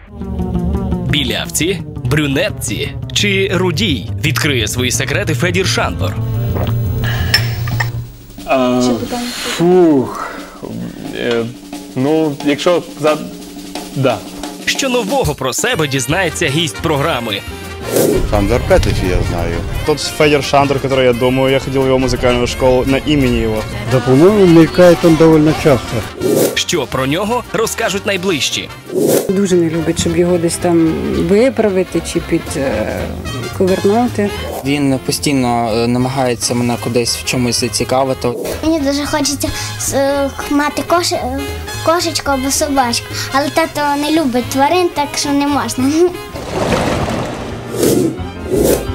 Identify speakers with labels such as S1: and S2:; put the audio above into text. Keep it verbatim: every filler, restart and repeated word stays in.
S1: Білявці, брюнетці чи рудій? Відкриє свої секрети Федір Шандор.
S2: А, фух. Е, ну, якщо за... Да.
S1: Що нового про себе дізнається гість програми?
S3: Шандор Петлича я знаю. Тот Федор Шандор, который, я думаю, я ходил в его музыкальную школу на имени его.
S4: Да, по-моему, мелькает он довольно часто.
S1: Що про нього розкажуть найближчі?
S5: Дуже не любить, щоб його десь там виправити чи підковернути.
S6: Він постійно намагається мене кудись в чомусь зацікавити.
S7: Мені дуже хочеться мати кош... кошечку або собачку, але тато не любить тварин, так що не можна.